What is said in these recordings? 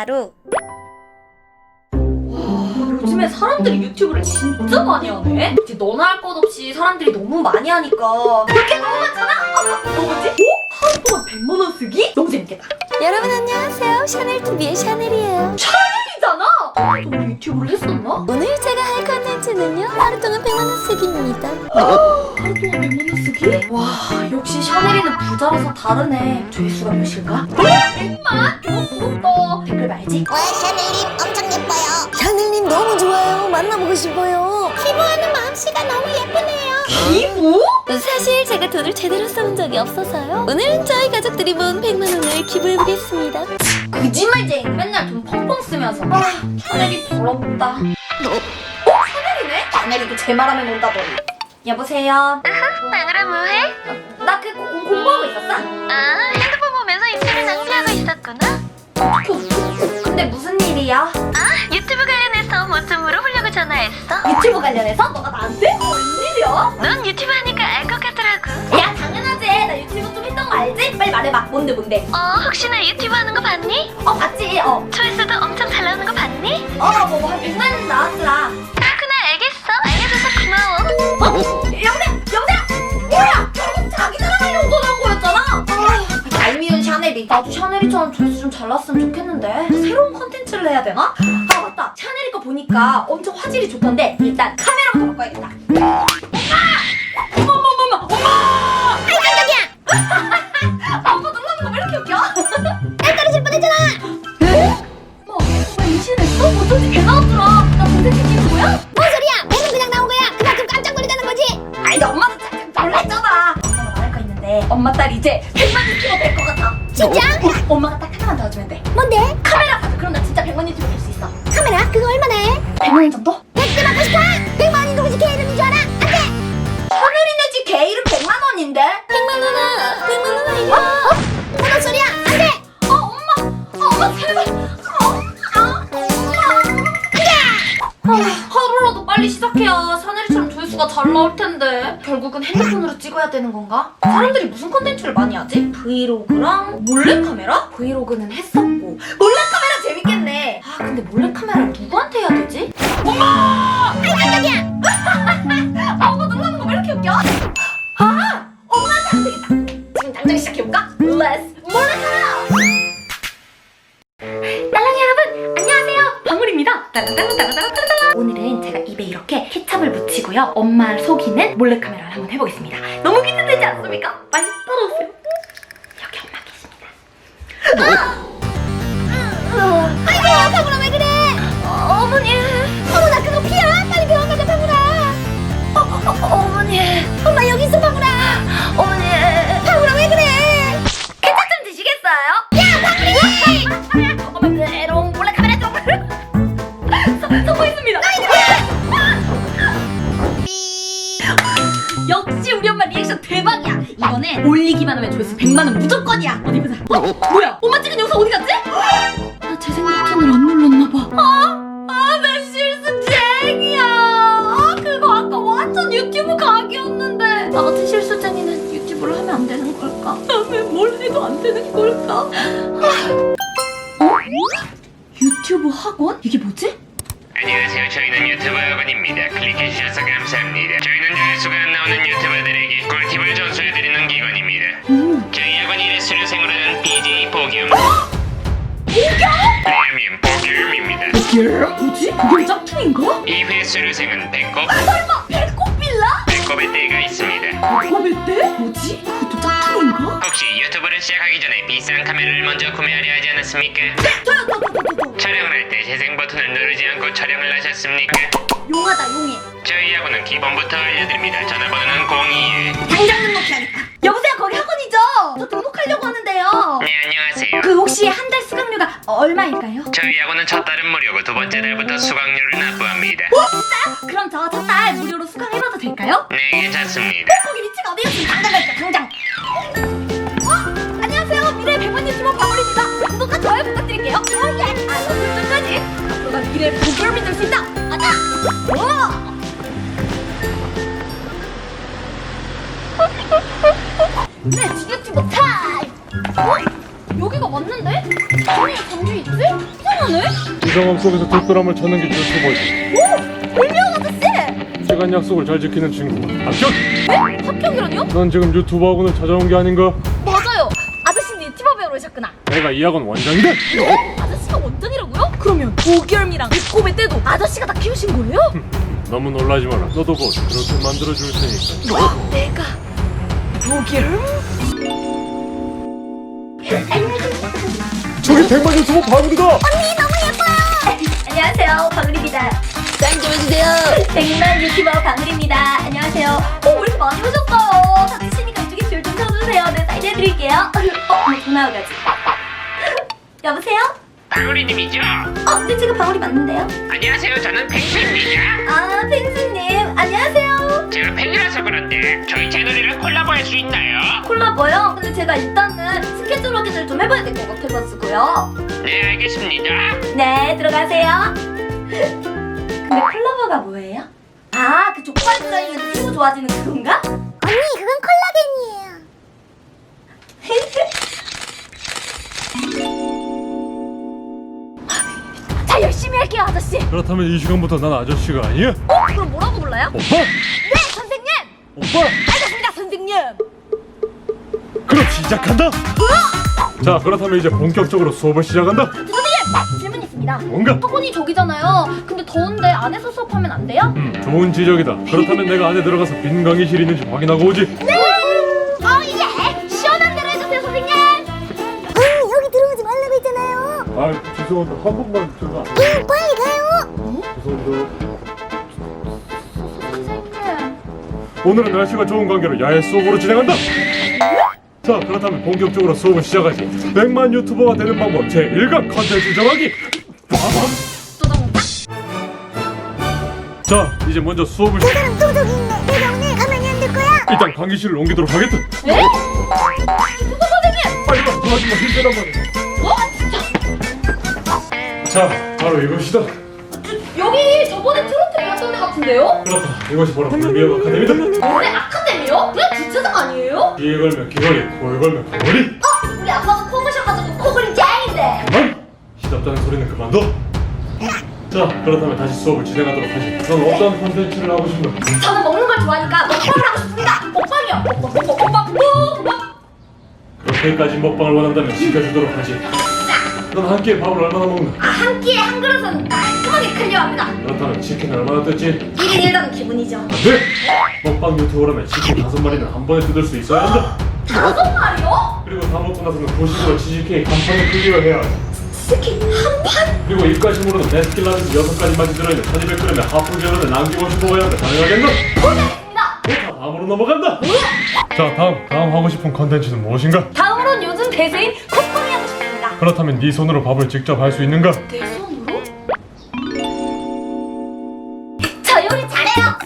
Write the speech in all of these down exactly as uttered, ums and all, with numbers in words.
바로 요즘에 사람들이 유튜브를 진짜 많이 하네? 이제 너나 할 것 없이 사람들이 너무 많이 하니까 그렇게 너무 많잖아? 아, 너 뭐지? 오? 하루 동안 백만 원 쓰기? 너무 재밌겠다. 여러분 안녕하세요. 샤넬티비의 샤넬이에요. 샤넬이잖아! 너 유튜브를 했었나? 오늘 제가 할 컨텐츠는요 하루 동안 백만 원 쓰기입니다. 하루 동안 백만 원 쓰기? 와, 역시 샤넬이는 부자라서 다르네. 조회수가 몇일까? 백만? 어, 부럽다. 댓글 말지? 와 샤넬님 엄청 예뻐요. 샤넬님 너무 좋아요. 만나보고 싶어요. 기부하는 마음씨가 너무 예쁘네요. 기부? 사실 제가 돈을 제대로 써본 적이 없어서요. 오늘은 저희 가족들이 모은 백만 원을 기부해보겠습니다. 거짓말쟁이 맨날 돈 펑펑 쓰면서 아, 샤넬이 부럽다. 어? 샤넬이네? 샤넬이도 제 말하면 온다더니. 여보세요? 마누라 뭐해? 나 그 공부하고 있었어? 아 핸드폰 보면서 인생을 낭비하고 있었구나. 그, 근데 무슨 일이야? 아 유튜브 관련해서 뭐 좀 물어보려고 전화했어. 유튜브 관련해서? 너가 나한테? 웬일이야? 넌 유튜브 하니까 알 것 같더라고. 야 당연하지. 나 유튜브 좀 했던 거 알지? 빨리 말해봐. 뭔데 뭔데? 어 혹시나 유튜브 하는 거 봤니? 어 봤지? 어. 조회수도 엄청 잘 나오는 거 봤니? 어뭐한 백만 원 나왔더라. 그렇구나 알겠어. 알려줘서 고마워. 어? 여보세요? 여보세요? 뭐야? 결국 자기 자랑하려고 전화한 거였잖아? 아, 얄미운 샤넬이. 나도 샤넬이처럼 조회수 좀 잘 났으면 좋겠는데 새로운 컨텐츠를 해야 되나? 아 맞다. 샤넬이 거 보니까 엄청 화질이 좋던데 일단 카메라부터 바꿔야겠다. 엄마! 어머 어머 어머 엄마! 아이 깜짝이야. 아, 엄마 놀라는 거 왜 이렇게 웃겨? 딸 떨어질 뻔했잖아. 에? 엄마 왜 임신했어? 어쩐지 개 나왔더라. 나 컨텐츠 찍는 거야? 뭔 소리야? 배는 그냥 나온 거야. 그만큼 깜짝 놀라는 거지. 아니 엄마는 짝 놀랬잖아. 엄마가 말할 거 있는데 엄마 딸 이제 백만 유튜버 될 것 같아. 진짜? 어, 엄마가 딱 하나만 더 해주면 돼. 뭔데? 카메라 사줘. 그럼 나 진짜 백만 유튜버 될 수 있어. 카메라? 그거 얼마나 해? 백만 원 정도? 백대 받고 싶어? 백만 원이 누구지 걔 이름인 줄 알아? 안 돼. 하늘이네 집 개 이름 백만 원인데? 백만 원아 백만 원 아니야. 어? 무슨 소리야? 안 돼. 어 엄마. 어, 엄마 제발. 어, 아, 아, 하루라도 빨리 시작해야 샤넬이처럼 조회수가 잘 나올 텐데 결국은 핸드폰으로 찍어야 되는 건가? 사람들이 무슨 컨텐츠를 많이 하지? 브이로그랑 몰래카메라? 브이로그는 했었고 몰래카메라 재밌겠네. 아 근데 몰래카메라를 누구한테 해야 되지? 엄마! 아이 깜짝이야. 아 엄마 놀라는 거 왜 이렇게 웃겨? 아! 엄마한테 안 되겠다. 지금 당장 시작해볼까? Let's 몰래카메라! 딸랑이 여러분 안녕하세요 방울입니다. 따라따라따라따라따라. 오늘은 제가 입에 이렇게 케찹을 묻히고요 엄마를 속이는 몰래카메라를 한번 해보겠습니다. 너무 기대되지 않습니까? 빨리 따라오세요. 여기 엄마 계십니다. 아이고 방울아 왜 그래? 어, 어머니 어머나 그거 피야. 빨리 병원 가자 방울아. 어, 어, 어, 어머니 엄마 여기 있어 방울아. 어머니 방울아 왜 그래? 케찹 좀 드시겠어요? 야 방울이. 어머 메롱 몰래카메라 좀 서- 성공했습니다. 역시 우리 엄마 리액션 대박이야. 이번에 올리기만 하면 조회수 백만 원 무조건이야. 어디 보자. 어? 뭐야? 엄마 찍은 영상 어디 갔지? 나 재생 버튼을 안 눌렀나 봐. 아, 아, 내 실수쟁이야. 아, 그거 아까 완전 유튜브 각이었는데. 나 같은 실수쟁이는 유튜브를 하면 안 되는 걸까? 나 왜 뭘 해도 안 되는 걸까? 어? 유튜브 학원? 이게 뭐지? 안녕하세요. 저희는 유튜버 학원입니다. 클릭해주셔서 감사합니다. 저희는 조회수가 안 나오는 유튜버들에게 꿀팁을 전수해드리는 기관입니다. 오. 저희 학원 일 회 수료생으로는 비제이 보겸, 보겸? 레미엠 보겸입니다. 보겸? 뭐지? 보겸 짝퉁인가? 이 회 수료생은 배꼽, 설마 배꼽 빌라? 배꼽의 때가 있습니다. 배꼽의 때? 뭐지? 그것도 짝퉁인가? 혹시 유튜브를 시작하기 전에 비싼 카메라를 먼저 구매하려 하지 않았습니까? 저요 저저 저 저 촬영을 할 때 재생 버튼을 누르지 않고 촬영을 하셨습니까? 용하다 용해. 저희 학원은 기본부터 알려드립니다. 전화번호는 공이일. 당장 등록해야겠다. 여보세요 거기 학원이죠? 저 등록하려고 하는데요. 네, 안녕하세요. 그 혹시 한 달 수강료가 얼마일까요? 저희 학원은 첫 달은 무료고 두 번째 달부터 수강료를 납부합니다. 어 진짜? 그럼 저 첫 달 무료로 수강해봐도 될까요? 네, 괜찮습니다. 거기 위치가 어디요? 지금 당장 갈게요 당장. 어? 안녕하세요 미래 백만 유튜버 방울입니다. 구독과 좋아요 부탁드릴게요. 오예 알람 설정까지. 앞으로가 미래 보겸이 될 수 있다. 가자. 오. 네, 유튜버 타임! 어? 여기가 맞는데? 아니 감기 있지? 이상하네? 이 상황 속에서 뒷바람을 찾는 게 유튜버지. 오! 불명 아저씨! 시간 약속을 잘 지키는 친구. 합격! 네? 합격이라뇨? 넌 지금 유튜브 학원을 찾아온 게 아닌가? 맞아요. 아저씨는 유튜버 배우러 오셨구나. 내가 이 학원 원장이다. 아저씨가 원장이라고요? 그러면 오결미랑 배꼽의 때도 아저씨가 다 키우신 거예요? 너무 놀라지 마라. 너도 곧 그렇게 만들어 줄 테니까. 내가 오결? 저기 백만 유튜버 방울이다. 안녕하세요, 방울입니다. 사인 좀 해주세요. 백만 유튜버 방울입니다. 안녕하세요. 어, 왜 이렇게 많이 오셨어요? 다치시니까 이쪽에 줄 좀 서주세요. 네, 사인해드릴게요. 어, 뭐 전화 오가지. 여보세요? 방울이님이죠? 어, 네, 제가 방울이 맞는데요? 안녕하세요. 저는 펭수입니다. 아, 펭수님, 안녕하세요. 제가 팬이라서 그런데 저희 채널이랑 콜라보할 수 있나요? 콜라보요? 근데 제가 일단은 스케줄 확인을 좀 해봐야 될 것 같아가지고요. 네, 알겠습니다. 네, 들어가세요. 근데 콜라보가 뭐예요? 아, 그 족발 드라이면서 피부 좋아지는 그건가? 언니 그건 콜라겐이에요. 자, 열심히 할게요, 아저씨. 그렇다면 이 시간부터 난 아저씨가 아니야? 어? 그럼 뭐라고 불러요? 오빠! 네, 선생님! 오빠! 알겠습니다, 선생님! 그럼 시작한다. 자, 그렇다면 이제 본격적으로 수업을 시작한다. 선생님! 질문 있습니다. 뭔가? 학원이 저기잖아요. 근데 더운데 안에서 수업하면 안 돼요? 음, 좋은 지적이다. 그렇다면 내가 안에 들어가서 빈 강의실 있는지 확인하고 오지. 어, 예! 시원한 대로 해주세요, 선생님! 언니 여기 들어오지 말라고 했잖아요. 아, 죄송한데 한 번만 제가. 응, 빨리 가요. 죄송합니다. 선생님. 오늘은 날씨가 좋은 관계로 야외 수업으로 진행한다. 자, 그렇다면 본격적으로 수업을 시작하지. 백만 유튜버가 되는 방법 제일 강 컨텐츠 정하기. 빠밤. 또 정답? 자, 이제 먼저 수업을 그 시... 사람 또 저기 있네. 내가 오늘 가만히 안 둘 거야. 일단 강의실을 옮기도록 하겠다. 네? 누구 선생님? 빨리 와, 도와주마. 힘들 한 번에. 어? 진짜? 자, 바로 이것이다. 여기 저번에 트로트 배웠던 데 같은데요? 그렇다. 이것이 바로 불미엄 아카데미다. 노래 아카데미요? 그냥 주차장 아니에요? 귀에 걸면 귀걸이, 코에 걸면 코걸이. 어? 우리 아빠가 코 고셔가지고 코골이 짱인데. 그만! 시답다는 소리는 그만둬. 자, 그렇다면 다시 수업을 진행하도록 하지. 넌 어떤 콘텐츠를 하고 싶나? 저는 먹는 걸 좋아하니까 먹방을 하고 싶습니다. 먹방이요. 먹방, 먹방, 먹방, 먹방. 그렇게까지 먹방을 원한다면 시켜주도록 하지. 넌 한 끼에 밥을 얼마나 먹나? 아, 한 끼에 한 그릇은 깔끔하게 클리어합니다. 그렇다면 치킨을 얼마나 뜯지? 일 인 일 당은 기분이죠. 안 돼! 먹방 유튜버라면 치킨 다섯 마리는 한 번에 뜯을 수 있어야 한다. 다섯 마리요? 그리고 다 먹고 나서는 도식으로 치즈케이크 한 판을 클리어해야 한다. 치킨 한 판? 그리고 입가심으로는 베스킨라빈스 여섯 가지만 들어있는 천이백 그램의 하프젤러를 남김없이 먹어야 한다. 가능하겠나? 고생했습니다. 자, 다음으로 넘어간다! 자, 다음, 다음 하고 싶은 컨텐츠는 무엇인가? 다음으로는 요즘 대세인 콧방이 하고 싶습니다. 그렇다면 네 손으로 밥을 직접 할 수 있는가? 내 손으로? 저 요리 잘해요.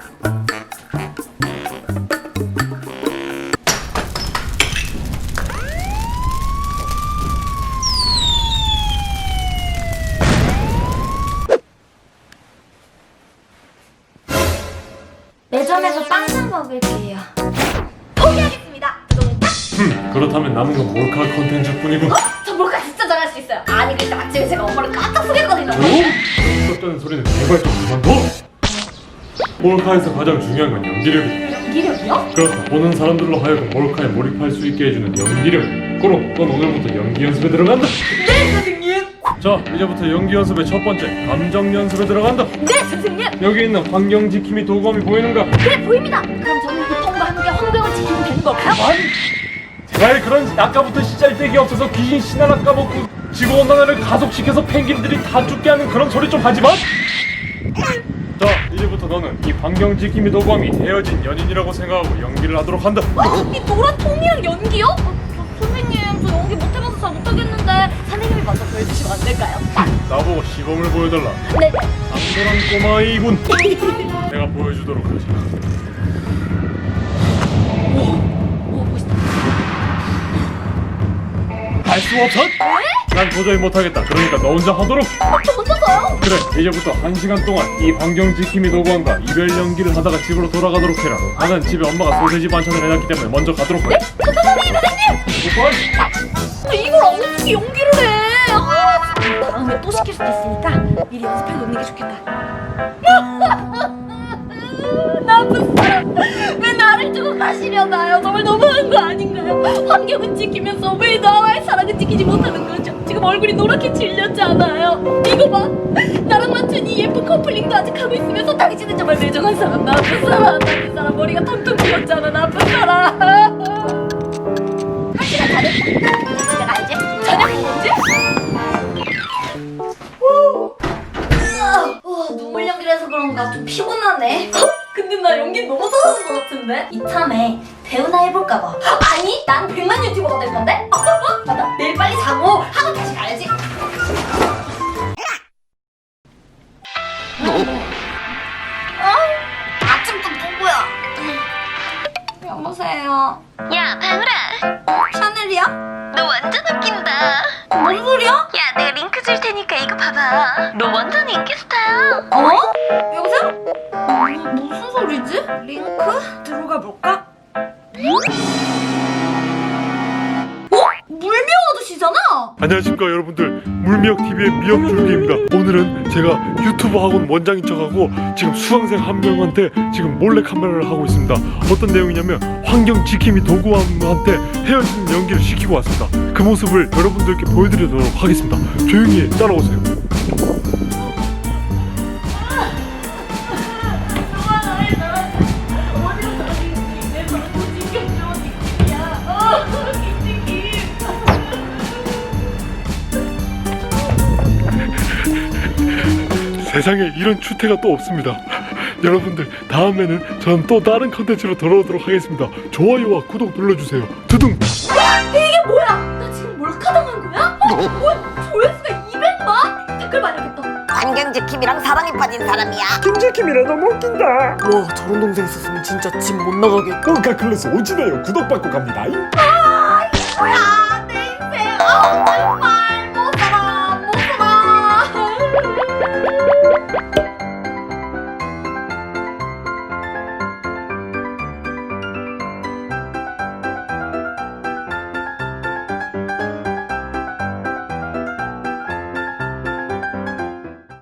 매점에서 빵만 먹을게요. 포기하겠습니다. 그동안 딱. 흠, 그렇다면 남은 건 몰카 컨텐츠뿐이군. 어? 저 몰카 진짜 잘할 수 있어요. 아니 그때 아침에 제가 엄마를 깜짝 속였거든요. 오? 썼다는 소리는 제발 좀 그만둬. 몰카에서 가장 중요한 건 연기력이다. 연기력이요? 그렇다. 보는 사람들로 하여금 몰카에 몰입할 수 있게 해주는 연기력. 그럼 넌 오늘부터 연기 연습에 들어간다. 네 선생님. 자, 이제부터 연기 연습의 첫 번째 감정 연습에 들어간다. 네 선생님. 여기 있는 환경 지킴이 도구함이 보이는가? 네 보입니다. 그럼 저는 고통과 함께 환경을 지키면 되는 걸까요? 잘 그런 아까부터 시잘데기 없어서 귀신 신하나 까먹고 지구온난화를 가속시켜서 펭귄들이 다 죽게 하는 그런 소리 좀 하지 마. 자, 이제부터 너는 이 환경 지킴이 도구함이 헤어진 연인이라고 생각하고 연기를 하도록 한다. 어? 이 노란 통이랑 연기요? 어, 저, 선생님 저 연기 못해봐서 잘 못하겠는데 선생님이 먼저 보여주시면 안 될까요? 나보고 시범을 보여달라. 네네. 당돌한 꼬마이군. 내가 보여주도록 하지. 오 멋있다. 할 수 없어? 난 도저히 못하겠다. 그러니까 너 혼자 하도록. 어, 저 혼자서요? 그래, 이제부터 한 시간 동안 이 환경 지킴이 도구함과 이별 연기를 하다가 집으로 돌아가도록 해라. 나는 집에 엄마가 소세지 반찬을 해놨기 때문에 먼저 가도록 해. 저 선생님 선생님! 빨리. 근데 이걸 어떻게 이렇게 연기를 해? 아, 진짜 다음에 또 시킬 수도 있으니까 미리 연습해 놓는 게 좋겠다. 나쁜 사람, 왜 나를 두고 가시려나요? 정말 너무한 거 아닌가요? 환경은 지키면서 왜 나와의 사랑은 지키지 못하는 거죠? 지금 얼굴이 노랗게 질렸잖아요. 이거 봐, 나랑 맞춘 이 예쁜 커플링도 아직 하고 있으면서 당신은 정말 매정한 사람, 나쁜 사람, 나쁜 사람, 머리가 텅텅 비었잖아, 나쁜 사람. 한 시간 다 됐다. 집에 가야지. 저녁은 뭐지? 어, 눈물 연기를 해서 그런가 좀 피곤하네. 근데 나 연기 너무 잘하는 것 같은데? 이참에 배우나 해볼까 봐. 아니, 난 백만 유튜버가 될 건데? 맞다, 내일 빨리 자고 학원 다시 가야지. 어? 아침도 누구야? 여보세요. 야, 방울아. 샤넬이야? 너 완전 웃긴다. 뭔 소리야? 야, 내가 링크 줄 테니까 이거 봐봐. 너 완전 인기 스타야. 어? 여보세요? 뭐, 무슨 소리지? 링크? 들어가 볼까? 어? 물미역 아저씨잖아? 안녕하십니까 여러분들, 물미역티비의 미역줄기입니다. 오늘은 제가 유튜브 학원 원장인 척하고 지금 수강생 한 명한테 지금 몰래 카메라를 하고 있습니다. 어떤 내용이냐면 환경 지킴이 도구함한테 헤어지는 연기를 시키고 왔습니다. 그 모습을 여러분들께 보여드리도록 하겠습니다. 조용히 따라오세요. 세상에 이런 추태가 또 없습니다. 여러분들, 다음에는 전 또 다른 컨텐츠로 돌아오도록 하겠습니다. 좋아요와 구독 눌러주세요. 두둥. 이게 뭐야? 나 지금 몰카당한 거야? 어? 뭐야? 조회수가 이백만? 댓글 봐야겠다. 환경지킴이랑 사랑에 빠진 사람이야. 김지킴이라 너무 웃긴다. 와, 저런 동생 있었으면 진짜 집 못 나가게. 꼴카 클래스 오지네요. 구독받고 갑니다. 뭐야?